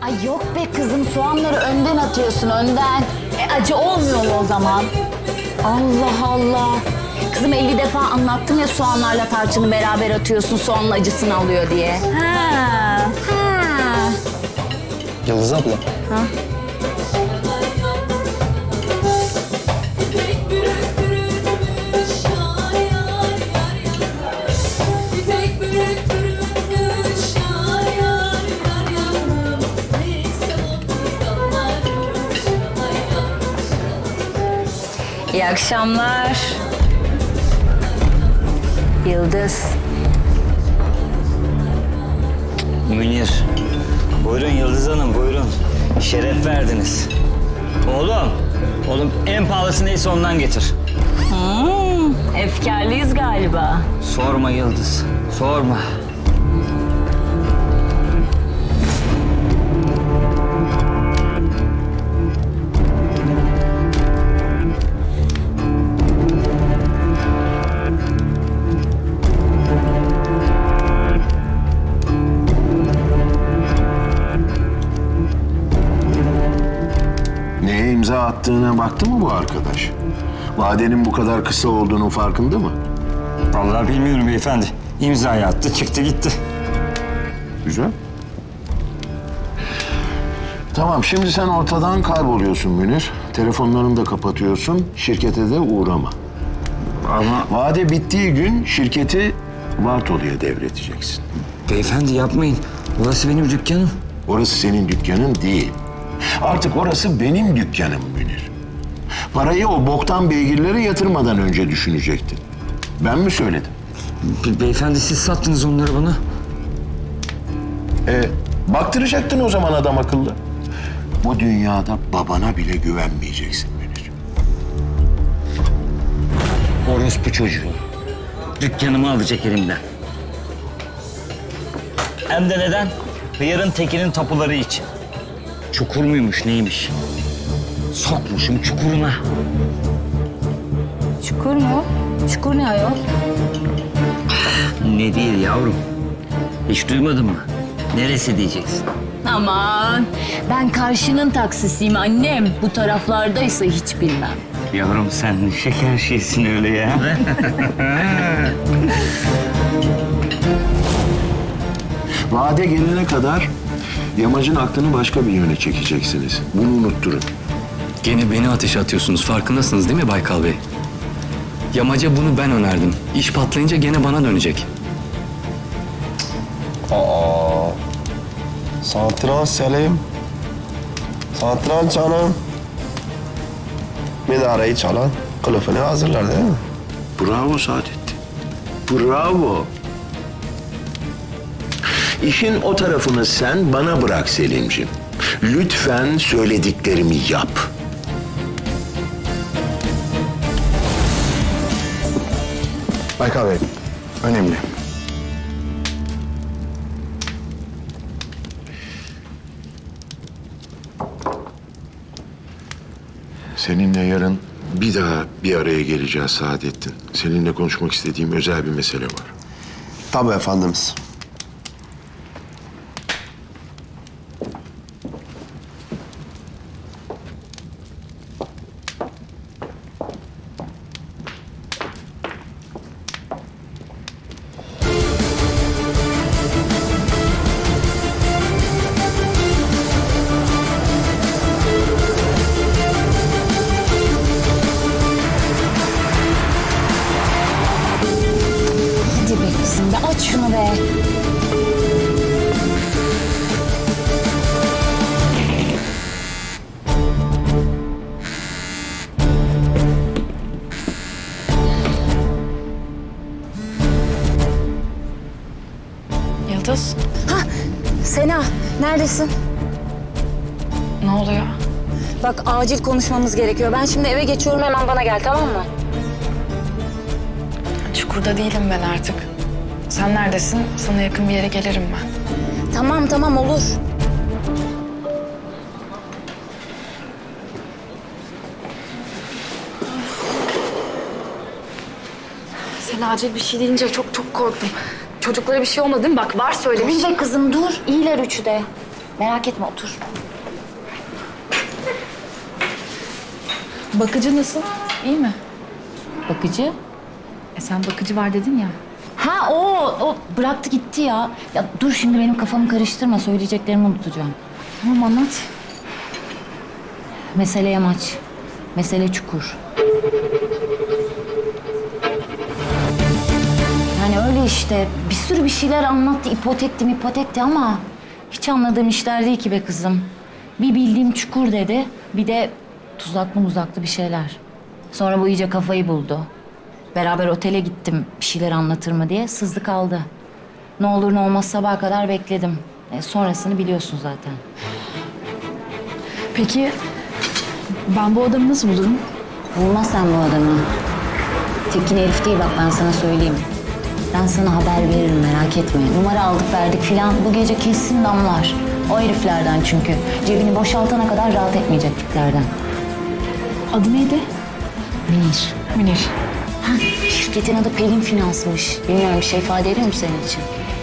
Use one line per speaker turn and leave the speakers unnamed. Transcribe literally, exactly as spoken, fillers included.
Ay yok be kızım, soğanları önden atıyorsun, önden. E acı olmuyor mu o zaman? Allah Allah. Kızım elli defa anlattım ya, soğanlarla tarçını beraber atıyorsun, soğanın acısını alıyor diye. Ha. Ha.
Yıldız abla.
Ha. İyi akşamlar. Yıldız.
Münir. Buyurun Yıldız Hanım, buyurun. Şeref verdiniz. Oğlum, oğlum en pahalısı neyse ondan getir.
Hmm, efkarlıyız galiba.
Sorma Yıldız, sorma.
Neye imza attığına baktı mı bu arkadaş? Vadenin bu kadar kısa olduğunun farkında mı?
Vallahi bilmiyorum beyefendi. İmzayı attı, çıktı gitti.
Güzel. Tamam, şimdi sen ortadan kayboluyorsun Münir. Telefonlarını da kapatıyorsun, şirkete de uğrama.
Ama
Vade bittiği gün şirketi Bartolu'ya devredeceksin.
beyefendi yapmayın. Burası benim dükkanım.
Orası senin dükkanın değil. Artık orası benim dükkanım Münir. Parayı o boktan beygirlere yatırmadan önce düşünecektin. Ben mi söyledim?
Be- beyefendi siz sattınız onları bana.
E, baktıracaktın o zaman adam akıllı. Bu dünyada babana bile güvenmeyeceksin Münir.
Orospu çocuğu. Dükkanımı alacak elimden. Hem de neden? Hıyarın tekinin tapuları için. Çukur muymuş neymiş? Sokmuşum çukuruna.
Çukur mu? Çukur ne ayol?
Ne değil yavrum? Hiç duymadın mı? Neresi diyeceksin?
Aman, ben karşının taksisiyim annem. Bu taraflardaysa hiç bilmem.
Yavrum sen ne şeker şeysin öyle ya.
Vade gelene kadar Yamacın aklını başka bir yöne çekeceksiniz. Bunu unutturun.
Gene beni ateşe atıyorsunuz. Farkındasınız değil mi Baykal Bey? Yamaca bunu ben önerdim. İş patlayınca gene bana dönecek.
Aa, Santral Selim. Santral canım. Minareyi çalan kılıfını hazırlar değil mi?
Bravo Saadettin. Bravo. İşin o tarafını sen bana bırak Selimciğim. Lütfen söylediklerimi yap.
Baykal Bey, önemli.
Seninle yarın bir daha bir araya geleceğiz Saadettin. Seninle konuşmak istediğim özel bir mesele var.
Tabii efendimiz.
Hadi be kızım be, aç şunu be.
Yıldız,
Hah, Sena, neredesin?
ne oluyor?
Bak acil konuşmamız gerekiyor. Ben şimdi eve geçiyorum, hemen bana gel, tamam mı?
Çukurda değilim ben artık. Sen neredesin? Sana yakın bir yere gelirim ben.
Tamam tamam, olur.
Sen acil bir şey deyince çok çok korktum. Çocuklara bir şey olmadı değil mi? Bak var söylemiş.
Dur be kızım dur. İyiler üçü de. Merak etme otur.
Bakıcı nasıl? İyi mi?
Bakıcı.
E sen bakıcı var dedin ya.
Ha o, o bıraktı gitti ya. Ya dur şimdi benim kafamı karıştırma. Söyleyeceklerimi unutacağım.
Tamam anlat.
Mesele yamaç. Mesele çukur. Yani öyle işte. Bir sürü bir şeyler anlattı. İpotekti ipotekti ama hiç anladığım işler değil ki be kızım. Bir bildiğim çukur dedi. Bir de tuzaklı muzaklı bir şeyler. Sonra bu iyice kafayı buldu. Beraber otele gittim bir şeyler anlatır mı diye. Sızdı kaldı. Ne olur ne olmaz sabaha kadar bekledim. E, sonrasını biliyorsun zaten.
Peki ben bu adamı nasıl bulurum?
Bulma sen bu adamı. Tekin herif değil bak ben sana söyleyeyim. Ben sana haber veririm merak etme. Numara aldık verdik filan bu gece kesin damlar. O heriflerden çünkü. Cebini boşaltana kadar rahat etmeyecek tiplerden.
Adı neydi?
Münir.
Münir.
Ha, şirketin adı Pelin Finans'mış. Bilmiyorum bir şey ifade ediyor mu senin için?